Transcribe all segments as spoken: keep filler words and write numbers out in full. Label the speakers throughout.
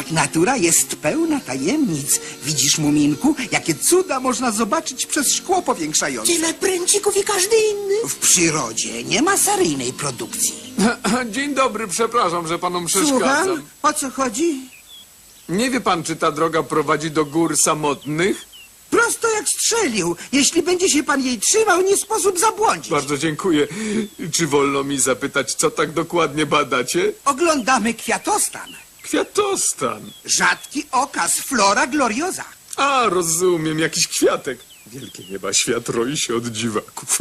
Speaker 1: Tak, natura jest pełna tajemnic. Widzisz, Muminku, jakie cuda można zobaczyć przez szkło powiększające.
Speaker 2: Tyle pręcików i każdy inny.
Speaker 1: W przyrodzie nie ma seryjnej produkcji.
Speaker 3: Dzień dobry, przepraszam, że panom
Speaker 1: Słucham?
Speaker 3: przeszkadzam.
Speaker 1: O co chodzi?
Speaker 3: Nie wie pan, czy ta droga prowadzi do gór samotnych?
Speaker 1: Prosto jak strzelił. Jeśli będzie się pan jej trzymał, nie sposób zabłądzić.
Speaker 3: Bardzo dziękuję. Czy wolno mi zapytać, co tak dokładnie badacie?
Speaker 1: Oglądamy kwiatostan.
Speaker 3: Kwiatostan.
Speaker 1: Rzadki okaz, flora gloriosa.
Speaker 3: A, rozumiem, jakiś kwiatek. Wielkie nieba, świat roi się od dziwaków.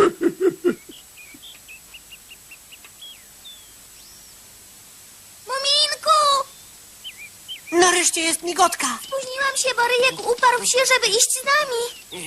Speaker 4: Muminku!
Speaker 2: Nareszcie jest migotka.
Speaker 4: Spóźniłam się, bo Ryjek uparł się, żeby iść z nami.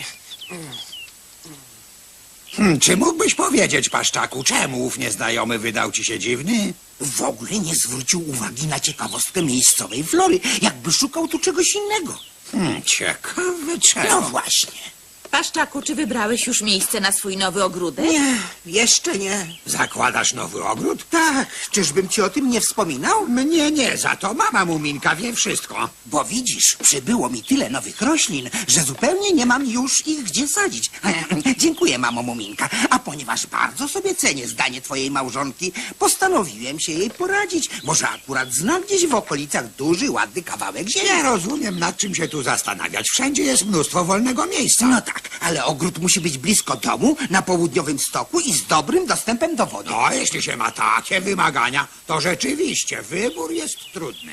Speaker 5: Hmm, czy mógłbyś powiedzieć, Paszczaku, czemu ów nieznajomy wydał ci się dziwny?
Speaker 1: W ogóle nie zwrócił uwagi na ciekawostkę miejscowej flory, jakby szukał tu czegoś innego.
Speaker 5: Hmm, ciekawe czemu.
Speaker 1: No właśnie.
Speaker 6: Paszczaku, czy wybrałeś już miejsce na swój nowy ogródek?
Speaker 1: Nie, jeszcze nie.
Speaker 5: Zakładasz nowy ogród?
Speaker 1: Tak, czyżbym ci o tym nie wspominał?
Speaker 5: Mnie nie, za to mama Muminka wie wszystko.
Speaker 1: Bo widzisz, przybyło mi tyle nowych roślin, że zupełnie nie mam już ich gdzie sadzić. Dziękuję, mamo Muminka. A ponieważ bardzo sobie cenię zdanie twojej małżonki, postanowiłem się jej poradzić. Może akurat zna gdzieś w okolicach duży, ładny kawałek ziemi.
Speaker 5: Nie rozumiem, nad czym się tu zastanawiać. Wszędzie jest mnóstwo wolnego miejsca.
Speaker 1: No tak, ale ogród musi być blisko domu, na południowym stoku i z dobrym dostępem do wody.
Speaker 5: No, jeśli się ma takie wymagania, to rzeczywiście wybór jest trudny.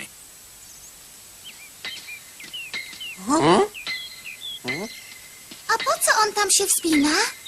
Speaker 4: A po co on tam się wspina?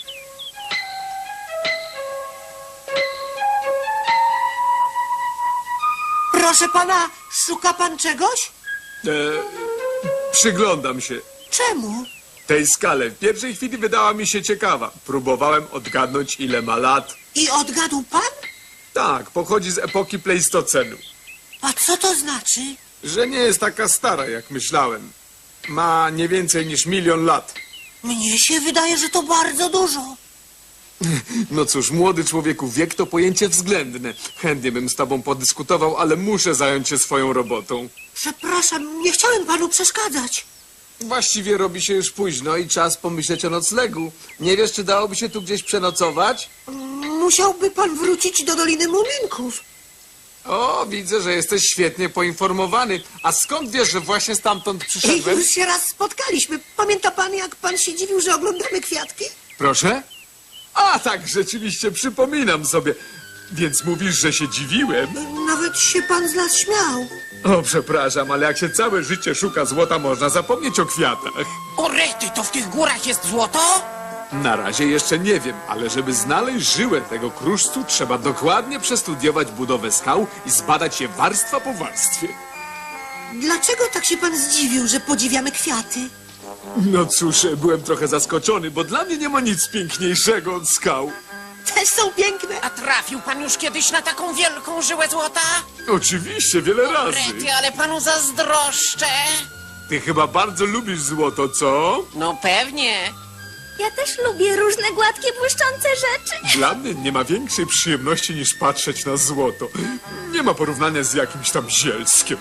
Speaker 2: Proszę pana, szuka pan czegoś?
Speaker 3: E, przyglądam się
Speaker 2: Czemu?
Speaker 3: tej skale. W pierwszej chwili wydała mi się ciekawa. Próbowałem odgadnąć, ile ma lat.
Speaker 2: I odgadł pan?
Speaker 3: Tak, pochodzi z epoki Pleistocenu.
Speaker 2: A co to znaczy?
Speaker 3: Że nie jest taka stara, jak myślałem. Ma nie więcej niż milion lat.
Speaker 2: Mnie się wydaje, że to bardzo dużo.
Speaker 3: No cóż, młody człowieku, wiek to pojęcie względne. Chętnie bym z tobą podyskutował, ale muszę zająć się swoją robotą.
Speaker 2: Przepraszam, nie chciałem panu przeszkadzać.
Speaker 3: Właściwie robi się już późno i czas pomyśleć o noclegu. Nie wiesz, czy dałoby się tu gdzieś przenocować?
Speaker 2: Musiałby pan wrócić do Doliny Muminków.
Speaker 3: O, widzę, że jesteś świetnie poinformowany. A skąd wiesz, że właśnie stamtąd przyszedłem?
Speaker 2: Już się raz spotkaliśmy. Pamięta pan, jak pan się dziwił, że oglądamy kwiatki?
Speaker 3: Proszę? A tak, rzeczywiście, przypominam sobie. Więc mówisz, że się dziwiłem?
Speaker 2: Nawet się pan z nas śmiał.
Speaker 3: O, przepraszam, ale jak się całe życie szuka złota, można zapomnieć o kwiatach.
Speaker 2: O rety, to w tych górach jest złoto?
Speaker 3: Na razie jeszcze nie wiem, ale żeby znaleźć żyłę tego kruszcu, trzeba dokładnie przestudiować budowę skał i zbadać je warstwa po warstwie.
Speaker 2: Dlaczego tak się pan zdziwił, że podziwiamy kwiaty?
Speaker 3: No cóż, byłem trochę zaskoczony, bo dla mnie nie ma nic piękniejszego od skał.
Speaker 2: Też są piękne.
Speaker 7: A trafił pan już kiedyś na taką wielką żyłę złota?
Speaker 3: Oczywiście, wiele razy.
Speaker 7: Rety, ale panu zazdroszczę.
Speaker 3: Ty chyba bardzo lubisz złoto, co?
Speaker 7: No pewnie.
Speaker 4: Ja też lubię różne gładkie, błyszczące rzeczy.
Speaker 3: Dla mnie nie ma większej przyjemności niż patrzeć na złoto. Nie ma porównania z jakimś tam zielskiem.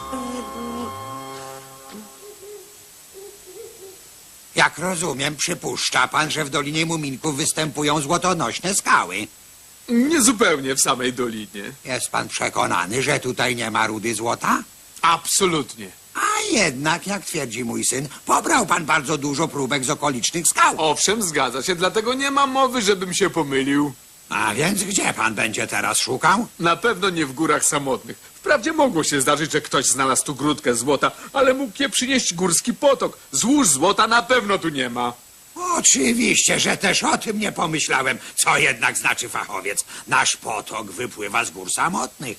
Speaker 5: Jak rozumiem, przypuszcza pan, że w Dolinie Muminków występują złotonośne skały.
Speaker 3: Niezupełnie w samej dolinie.
Speaker 5: Jest pan przekonany, że tutaj nie ma rudy złota?
Speaker 3: Absolutnie.
Speaker 5: A jednak, jak twierdzi mój syn, pobrał pan bardzo dużo próbek z okolicznych skał.
Speaker 3: Owszem, zgadza się, dlatego nie ma mowy, żebym się pomylił.
Speaker 5: A więc gdzie pan będzie teraz szukał?
Speaker 3: Na pewno nie w górach samotnych. Wprawdzie mogło się zdarzyć, że ktoś znalazł tu grudkę złota, ale mógł je przynieść górski potok. Złóż złota na pewno tu nie ma.
Speaker 5: Oczywiście, że też o tym nie pomyślałem. Co jednak znaczy fachowiec? Nasz potok wypływa z gór samotnych.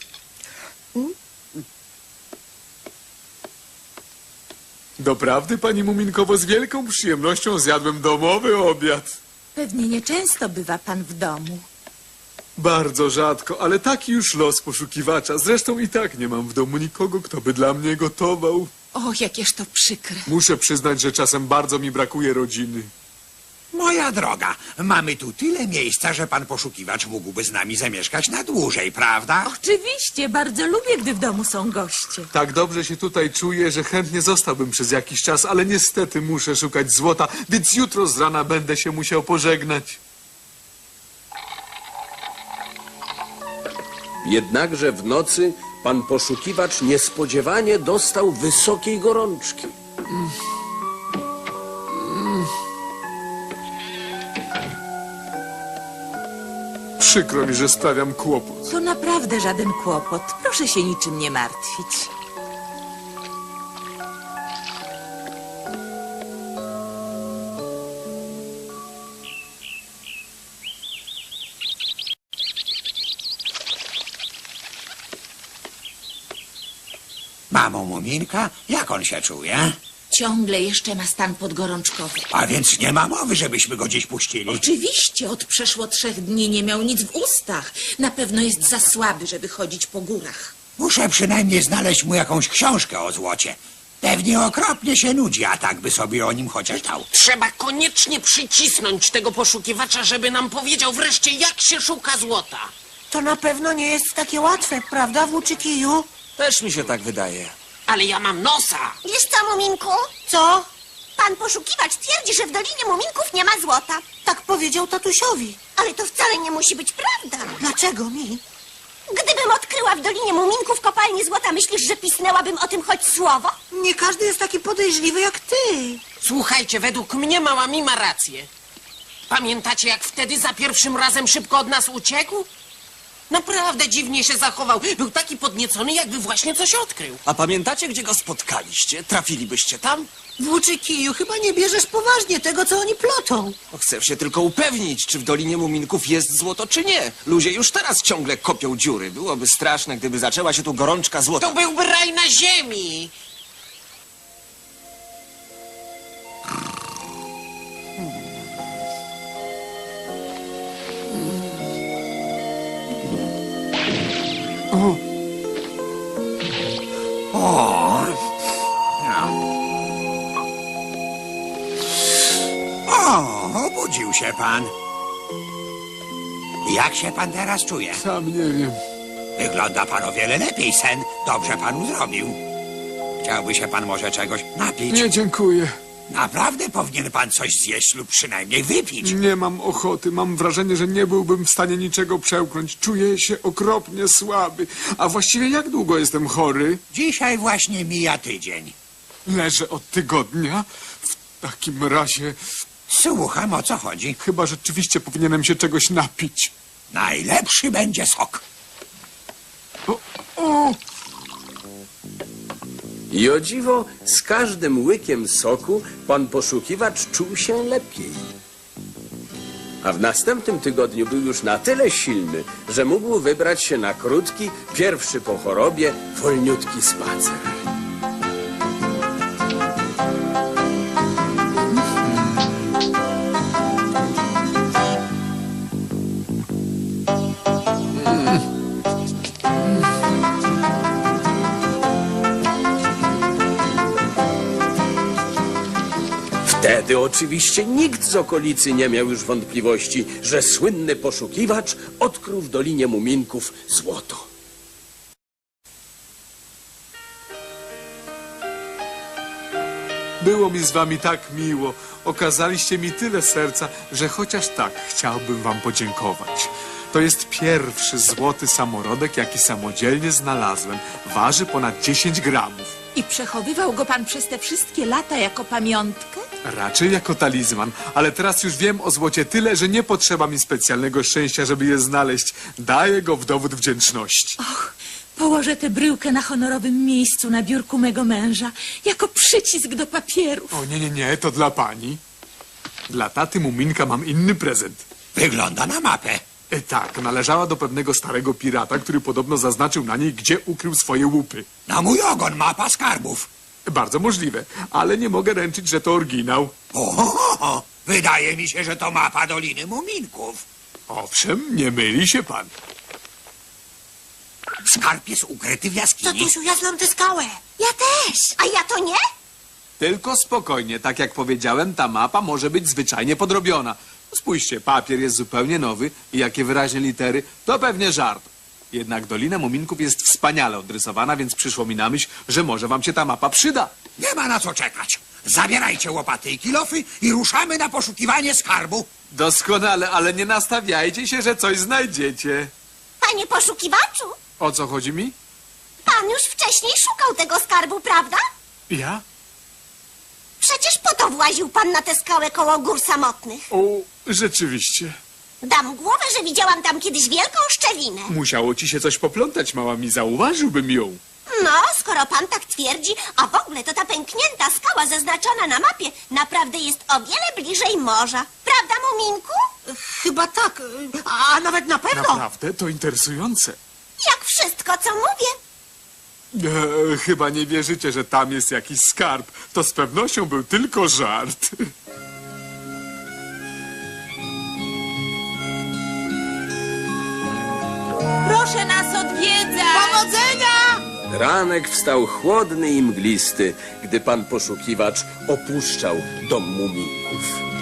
Speaker 3: Doprawdy, pani Muminkowo, z wielką przyjemnością zjadłem domowy obiad.
Speaker 6: Pewnie nieczęsto bywa pan w domu.
Speaker 3: Bardzo rzadko, ale taki już los poszukiwacza. Zresztą i tak nie mam w domu nikogo, kto by dla mnie gotował.
Speaker 6: O, jakież to przykre.
Speaker 3: Muszę przyznać, że czasem bardzo mi brakuje rodziny.
Speaker 5: Moja droga, mamy tu tyle miejsca, że pan poszukiwacz mógłby z nami zamieszkać na dłużej, prawda?
Speaker 6: Oczywiście, bardzo lubię, gdy w domu są goście.
Speaker 3: Tak dobrze się tutaj czuję, że chętnie zostałbym przez jakiś czas, ale niestety muszę szukać złota, więc jutro z rana będę się musiał pożegnać.
Speaker 8: Jednakże w nocy pan poszukiwacz niespodziewanie dostał wysokiej gorączki.
Speaker 3: Przykro mi, że sprawiam kłopot.
Speaker 6: To naprawdę żaden kłopot. Proszę się niczym nie martwić.
Speaker 5: Mamo Muminka, jak on się czuje?
Speaker 6: Ciągle jeszcze ma stan podgorączkowy.
Speaker 5: A więc nie ma mowy, żebyśmy go gdzieś puścili.
Speaker 6: Oczywiście, od przeszło trzech dni nie miał nic w ustach. Na pewno jest za słaby, żeby chodzić po górach.
Speaker 5: Muszę przynajmniej znaleźć mu jakąś książkę o złocie. Pewnie okropnie się nudzi, a tak by sobie o nim chociaż dał.
Speaker 7: Trzeba koniecznie przycisnąć tego poszukiwacza, żeby nam powiedział wreszcie, jak się szuka złota.
Speaker 2: To na pewno nie jest takie łatwe, prawda, włóczykiju?
Speaker 9: Też mi się tak wydaje.
Speaker 7: Ale ja mam nosa.
Speaker 4: Wiesz co, Muminku?
Speaker 2: Co?
Speaker 4: Pan poszukiwacz twierdzi, że w Dolinie Muminków nie ma złota.
Speaker 2: Tak powiedział tatusiowi.
Speaker 4: Ale to wcale nie musi być prawda.
Speaker 2: Dlaczego mi?
Speaker 4: Gdybym odkryła w Dolinie Muminków kopalnię złota, myślisz, że pisnęłabym o tym choć słowo?
Speaker 2: Nie każdy jest taki podejrzliwy jak ty.
Speaker 7: Słuchajcie, według mnie mała mi ma rację. Pamiętacie, jak wtedy za pierwszym razem szybko od nas uciekł? Naprawdę dziwnie się zachował. Był taki podniecony, jakby właśnie coś odkrył.
Speaker 9: A pamiętacie, gdzie go spotkaliście? Trafilibyście tam?
Speaker 2: Włóczykiju, chyba nie bierzesz poważnie tego, co oni plotą.
Speaker 9: No, chcę się tylko upewnić, czy w Dolinie Muminków jest złoto, czy nie. Ludzie już teraz ciągle kopią dziury. Byłoby straszne, gdyby zaczęła się tu gorączka złota.
Speaker 7: To byłby raj na ziemi.
Speaker 5: O, obudził się pan. Jak się pan teraz czuje?
Speaker 3: Sam nie wiem.
Speaker 5: Wygląda pan o wiele lepiej, sen. Dobrze panu zrobił. Chciałby się pan może czegoś napić?
Speaker 3: Nie, dziękuję.
Speaker 5: Naprawdę powinien pan coś zjeść lub przynajmniej wypić.
Speaker 3: Nie mam ochoty. Mam wrażenie, że nie byłbym w stanie niczego przełknąć. Czuję się okropnie słaby. A właściwie jak długo jestem chory?
Speaker 5: Dzisiaj właśnie mija tydzień.
Speaker 3: Leżę od tygodnia. W takim razie
Speaker 5: Słucham, o co chodzi.
Speaker 3: chyba rzeczywiście powinienem się czegoś napić.
Speaker 5: Najlepszy będzie sok.
Speaker 3: O, o!
Speaker 8: I o dziwo, z każdym łykiem soku pan poszukiwacz czuł się lepiej. A w następnym tygodniu był już na tyle silny, że mógł wybrać się na krótki, pierwszy po chorobie, wolniutki spacer. Wtedy oczywiście nikt z okolicy nie miał już wątpliwości, że słynny poszukiwacz odkrył w Dolinie Muminków złoto.
Speaker 3: Było mi z wami tak miło. Okazaliście mi tyle serca, że chociaż tak chciałbym wam podziękować. To jest pierwszy złoty samorodek, jaki samodzielnie znalazłem. Waży ponad dziesięć gramów.
Speaker 6: I przechowywał go pan przez te wszystkie lata jako pamiątkę?
Speaker 3: Raczej jako talizman, ale teraz już wiem o złocie tyle, że nie potrzeba mi specjalnego szczęścia, żeby je znaleźć. Daję go w dowód wdzięczności.
Speaker 6: Och, położę tę bryłkę na honorowym miejscu na biurku mego męża, jako przycisk do papierów.
Speaker 3: O nie, nie, nie, to dla pani. Dla taty Muminka mam inny prezent.
Speaker 5: Wygląda na mapę.
Speaker 3: E, tak, należała do pewnego starego pirata, który podobno zaznaczył na niej, gdzie ukrył swoje łupy.
Speaker 5: Na mój ogon mapa skarbów.
Speaker 3: Bardzo możliwe, ale nie mogę ręczyć, że to oryginał.
Speaker 5: O, wydaje mi się, że to mapa Doliny Muminków.
Speaker 3: Owszem, nie myli się pan.
Speaker 5: Skarb jest ukryty w jaskini.
Speaker 2: Tatusiu, ja znam tę skałę.
Speaker 4: Ja też. A ja to nie?
Speaker 3: Tylko spokojnie, tak jak powiedziałem, ta mapa może być zwyczajnie podrobiona. Spójrzcie, papier jest zupełnie nowy i jakie wyraźne litery, to pewnie żart. Jednak Dolina Muminków jest wspaniale odrysowana, więc przyszło mi na myśl, że może wam się ta mapa przyda.
Speaker 5: Nie ma na co czekać. Zabierajcie łopaty i kilofy i ruszamy na poszukiwanie skarbu.
Speaker 3: Doskonale, ale nie nastawiajcie się, że coś znajdziecie.
Speaker 4: Panie poszukiwaczu,
Speaker 3: O co chodzi mi?
Speaker 4: pan już wcześniej szukał tego skarbu, prawda?
Speaker 3: Ja?
Speaker 4: Przecież po to właził pan na tę skałę koło gór samotnych.
Speaker 3: O, rzeczywiście.
Speaker 4: Dam głowę, że widziałam tam kiedyś wielką szczelinę.
Speaker 3: Musiało ci się coś poplątać, mała mi, zauważyłbym ją.
Speaker 4: No, skoro pan tak twierdzi, a w ogóle to ta pęknięta skała zaznaczona na mapie naprawdę jest o wiele bliżej morza. Prawda, Muminku?
Speaker 2: Chyba tak, a nawet na pewno.
Speaker 3: Naprawdę? To interesujące.
Speaker 4: Jak wszystko, co mówię.
Speaker 3: E, chyba nie wierzycie, że tam jest jakiś skarb. To z pewnością był tylko żart.
Speaker 6: Proszę nas odwiedzać!
Speaker 2: Powodzenia!
Speaker 8: Ranek wstał chłodny i mglisty, gdy pan poszukiwacz opuszczał dom muminków.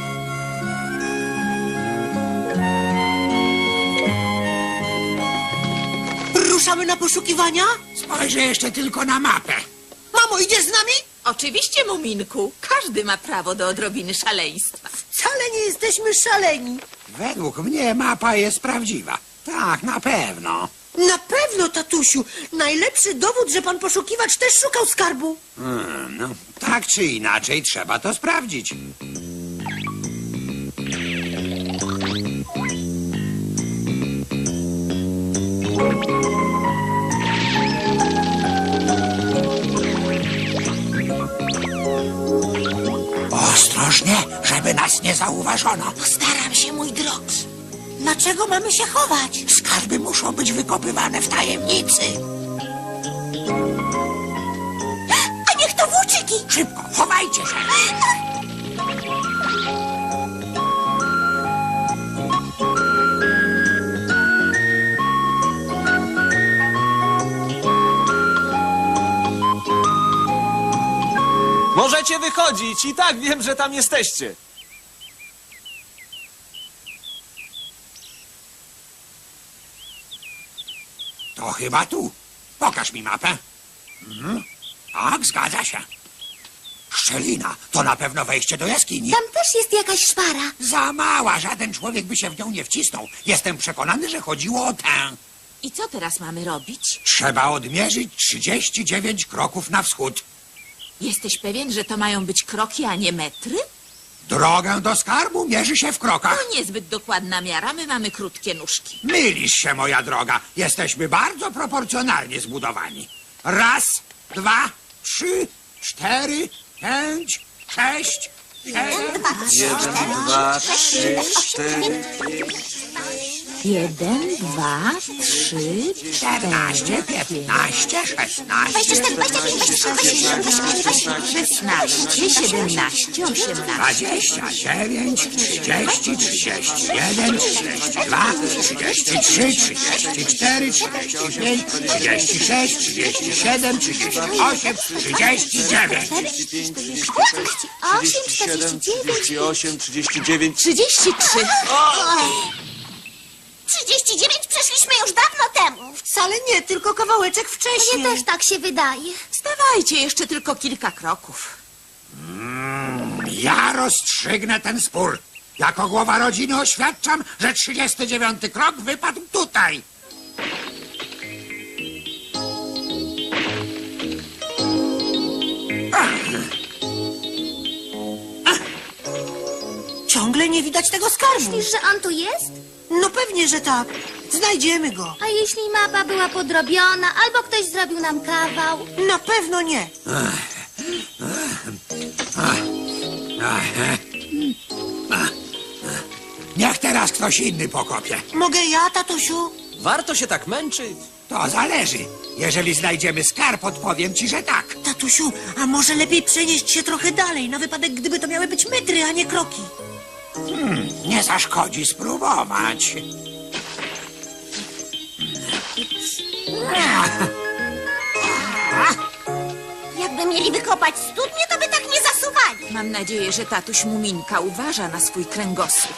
Speaker 2: Ruszamy na poszukiwania?
Speaker 5: Spojrzę jeszcze tylko na mapę.
Speaker 2: Mamo, idziesz z nami?
Speaker 6: Oczywiście, Muminku. Każdy ma prawo do odrobiny szaleństwa.
Speaker 2: Wcale nie jesteśmy szaleni.
Speaker 5: Według mnie mapa jest prawdziwa. Tak, na pewno.
Speaker 2: Na pewno, tatusiu. Najlepszy dowód, że pan poszukiwacz też szukał skarbu.
Speaker 5: Hmm, no, tak czy inaczej trzeba to sprawdzić. Ostrożnie, żeby nas nie zauważono.
Speaker 2: Postaram się, mój drogs. Dlaczego mamy się chować?
Speaker 5: Skarby muszą być wykopywane w tajemnicy.
Speaker 4: A niech to włóczyki!
Speaker 5: Szybko, chowajcie się.
Speaker 9: Możecie wychodzić, i tak wiem, że tam jesteście.
Speaker 5: To chyba tu. Pokaż mi mapę. Mhm. Tak, zgadza się. Szczelina. To na pewno wejście do jaskini.
Speaker 4: Tam też jest jakaś szpara.
Speaker 5: Za mała. Żaden człowiek by się w nią nie wcisnął. Jestem przekonany, że chodziło o tę.
Speaker 6: I co teraz mamy robić?
Speaker 5: Trzeba odmierzyć trzydzieści dziewięć kroków na wschód.
Speaker 6: Jesteś pewien, że to mają być kroki, a nie metry?
Speaker 5: Drogę do skarbu mierzy się w krokach.
Speaker 6: To niezbyt dokładna miara, my mamy krótkie nóżki.
Speaker 5: Mylisz się, moja droga. Jesteśmy bardzo proporcjonalnie zbudowani. Raz, dwa, trzy, cztery, pięć, sześć, siedem,
Speaker 9: Jeden, dwa, trzy, cztery.
Speaker 6: Jeden, dwa, trzy,
Speaker 5: czternaście, piętnaście, szesnaście,
Speaker 6: szesnaście, siedemnaście, osiemnaście.
Speaker 5: dwadzieścia dziewięć, trzydzieści, trzydzieści jeden, trzydzieści dwa, trzydzieści trzy, trzydzieści cztery, trzydzieści pięć, trzydzieści sześć, trzydzieści siedem, trzydzieści osiem, trzydzieści dziewięć.
Speaker 9: trzydzieści siedem, trzydzieści osiem, trzydzieści dziewięć.
Speaker 6: Trzydzieści trzy.
Speaker 4: trzydzieści dziewięć przeszliśmy już dawno temu.
Speaker 2: Wcale nie, tylko kawałeczek wcześniej.
Speaker 4: Mnie też tak się wydaje.
Speaker 6: Stawajcie, jeszcze tylko kilka kroków.
Speaker 5: Ja rozstrzygnę ten spór. Jako głowa rodziny oświadczam, że trzydziesty dziewiąty krok wypadł tutaj.
Speaker 2: Ciągle nie widać tego skarbu.
Speaker 4: Myślisz, że on tu jest?
Speaker 2: No pewnie, że tak. Znajdziemy go.
Speaker 4: A jeśli mapa była podrobiona, albo ktoś zrobił nam kawał?
Speaker 2: Na pewno nie.
Speaker 5: Niech teraz ktoś inny pokopie.
Speaker 2: Mogę ja, tatusiu?
Speaker 9: Warto się tak męczyć.
Speaker 5: To zależy. Jeżeli znajdziemy skarb, odpowiem ci, że tak.
Speaker 2: Tatusiu, a może lepiej przenieść się trochę dalej, na wypadek, gdyby to miały być metry, a nie kroki.
Speaker 5: Nie zaszkodzi spróbować.
Speaker 4: Jakby mieli wykopać studnie, to by tak nie przesuwali.
Speaker 6: Mam nadzieję, że tatuś Muminka uważa na swój kręgosłup.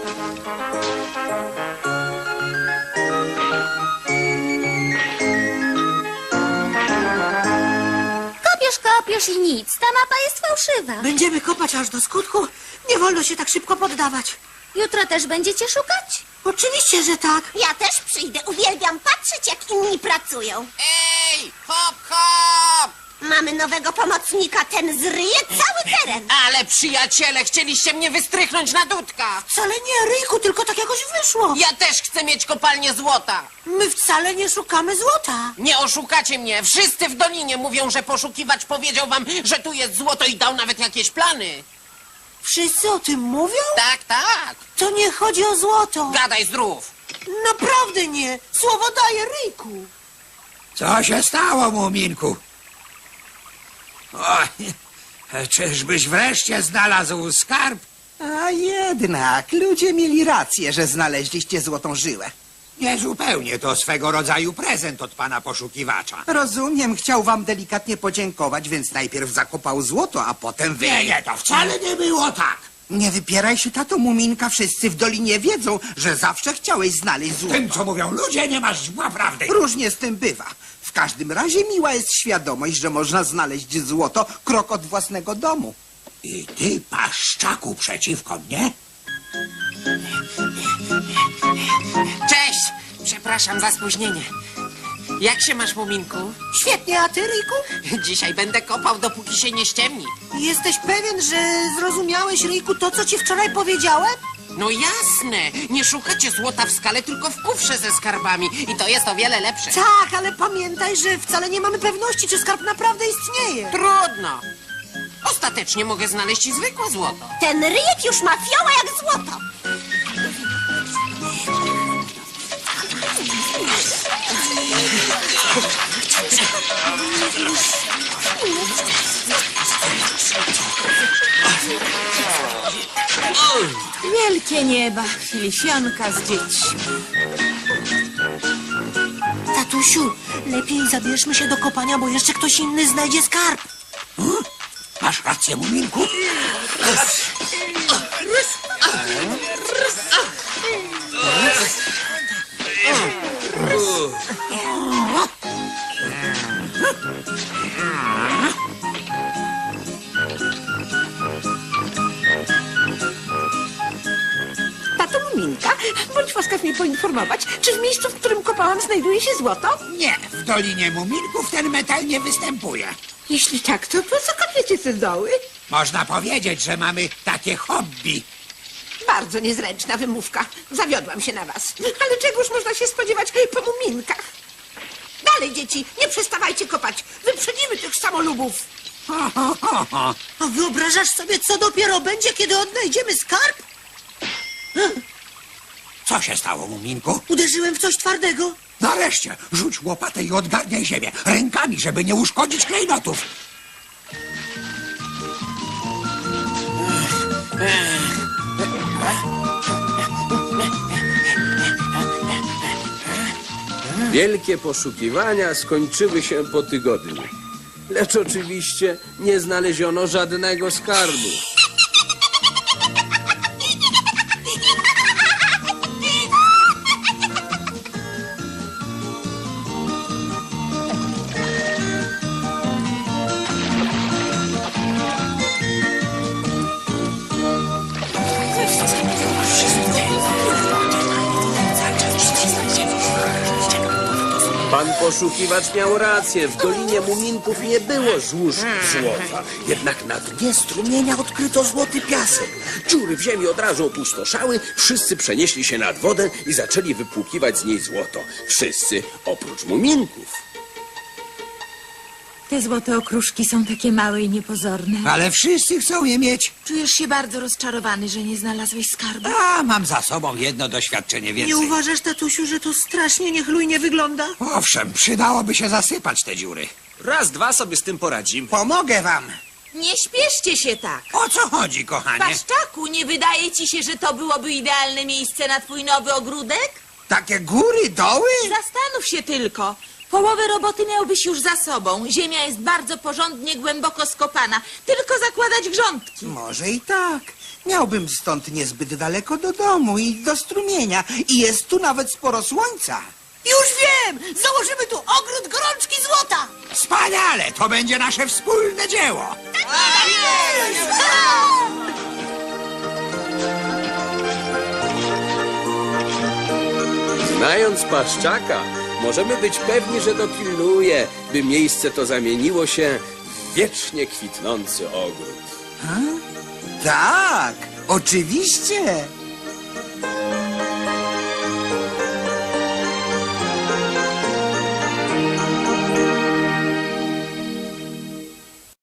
Speaker 10: Kopiesz, kopiesz i nic. Ta mapa jest fałszywa.
Speaker 2: Będziemy kopać aż do skutku. Nie wolno się tak szybko poddawać.
Speaker 10: Jutro też będziecie szukać?
Speaker 2: Oczywiście, że tak.
Speaker 4: Ja też przyjdę. Uwielbiam patrzeć, jak inni pracują.
Speaker 7: Ej, hop, hop!
Speaker 4: Mamy nowego pomocnika. Ten zryje cały teren.
Speaker 7: Ale przyjaciele, chcieliście mnie wystrychnąć na dudka.
Speaker 2: Wcale nie, Ryjku, tylko tak jakoś wyszło.
Speaker 7: Ja też chcę mieć kopalnię złota.
Speaker 2: My wcale nie szukamy złota.
Speaker 7: Nie oszukacie mnie. Wszyscy w Dolinie mówią, że poszukiwacz powiedział wam, że tu jest złoto i dał nawet jakieś plany.
Speaker 2: Wszyscy o tym mówią?
Speaker 7: Tak, tak.
Speaker 2: To nie chodzi o złoto.
Speaker 7: Gadaj zdrów.
Speaker 2: Naprawdę nie. Słowo daję, Ryjku.
Speaker 5: Co się stało, Muminku? Oj, czyżbyś wreszcie znalazł skarb?
Speaker 1: A jednak, ludzie mieli rację, że znaleźliście złotą żyłę.
Speaker 5: Niezupełnie, to swego rodzaju prezent od pana poszukiwacza.
Speaker 1: Rozumiem, chciał wam delikatnie podziękować, więc najpierw zakopał złoto, a potem wy...
Speaker 5: Nie, nie, to wcale nie było tak.
Speaker 1: Nie wypieraj się, tato Muminka, wszyscy w Dolinie wiedzą, że zawsze chciałeś znaleźć
Speaker 5: Tym,
Speaker 1: złoto.
Speaker 5: co mówią ludzie, nie masz zła prawdy.
Speaker 1: Różnie z tym bywa. W każdym razie miła jest świadomość, że można znaleźć złoto krok od własnego domu.
Speaker 5: I ty, paszczaku, przeciwko mnie?
Speaker 7: Cześć. Przepraszam za spóźnienie. Jak się masz, Muminku?
Speaker 2: Świetnie, a ty, Ryjku?
Speaker 7: Dzisiaj będę kopał, dopóki się nie ściemni.
Speaker 2: Jesteś pewien, że zrozumiałeś, Ryjku, to, co ci wczoraj powiedziałem?
Speaker 7: No jasne. Nie szukacie złota w skale, tylko w kufrze ze skarbami. I to jest o wiele lepsze.
Speaker 2: Tak, ale pamiętaj, że wcale nie mamy pewności, czy skarb naprawdę istnieje.
Speaker 7: Trudno. Ostatecznie mogę znaleźć i zwykłe złoto.
Speaker 4: Ten ryjek już ma fioła jak złoto.
Speaker 6: Wielkie nieba, chilifionka z dziećmi.
Speaker 2: Tatusiu, lepiej zabierzmy się do kopania, bo jeszcze ktoś inny znajdzie skarb.
Speaker 5: Masz rację, Muminku.
Speaker 11: Tato Muminka, bądź łaskaw mnie poinformować, czy w miejscu, w którym kopałam, znajduje się złoto?
Speaker 5: Nie, w Dolinie Muminków ten metal nie występuje.
Speaker 11: Jeśli tak, to po co kopiecie te doły?
Speaker 5: Można powiedzieć, że mamy takie hobby.
Speaker 11: Bardzo niezręczna wymówka. Zawiodłam się na was. Ale czegoż można się spodziewać po Muminkach? Dalej, dzieci, nie przestawajcie kopać. Wyprzedzimy tych samolubów.
Speaker 5: Ho, ho, ho, ho.
Speaker 2: A wyobrażasz sobie, co dopiero będzie, kiedy odnajdziemy skarb?
Speaker 5: Co się stało, Muminku?
Speaker 2: Uderzyłem w coś twardego.
Speaker 5: Nareszcie, rzuć łopatę i odgarniaj ziemię. Rękami, żeby nie uszkodzić klejnotów.
Speaker 8: Wielkie poszukiwania skończyły się po tygodniu. Lecz oczywiście nie znaleziono żadnego skarbu. Pan poszukiwacz miał rację. W Dolinie Muminków nie było złóż złota. Jednak na dnie strumienia odkryto złoty piasek. Dziury w ziemi od razu opustoszały. Wszyscy przenieśli się nad wodę i zaczęli wypłukiwać z niej złoto. Wszyscy oprócz Muminków.
Speaker 6: Te złote okruszki są takie małe i niepozorne.
Speaker 5: Ale wszyscy chcą je mieć.
Speaker 6: Czujesz się bardzo rozczarowany, że nie znalazłeś skarbu?
Speaker 5: A, mam za sobą jedno doświadczenie
Speaker 2: Nie
Speaker 5: więcej.
Speaker 2: uważasz, tatusiu, że to strasznie niechlujnie wygląda?
Speaker 5: Owszem, przydałoby się zasypać te dziury.
Speaker 9: Raz, dwa sobie z tym poradzimy.
Speaker 1: Pomogę wam.
Speaker 6: Nie śpieszcie się tak.
Speaker 5: O co chodzi, kochanie?
Speaker 6: Paszczaku, nie wydaje ci się, że to byłoby idealne miejsce na twój nowy ogródek?
Speaker 1: Takie góry, doły?
Speaker 6: Zastanów się tylko. Połowę roboty miałbyś już za sobą. Ziemia jest bardzo porządnie, głęboko skopana. Tylko zakładać grządki.
Speaker 1: Może i tak. Miałbym stąd niezbyt daleko do domu i do strumienia. I jest tu nawet sporo słońca.
Speaker 2: Już wiem! Założymy tu ogród gorączki złota!
Speaker 5: Wspaniale, to będzie nasze wspólne dzieło.
Speaker 8: Znając Paszczaka, możemy być pewni, że dopilnuje, by miejsce to zamieniło się w wiecznie kwitnący ogród.
Speaker 1: Tak, oczywiście.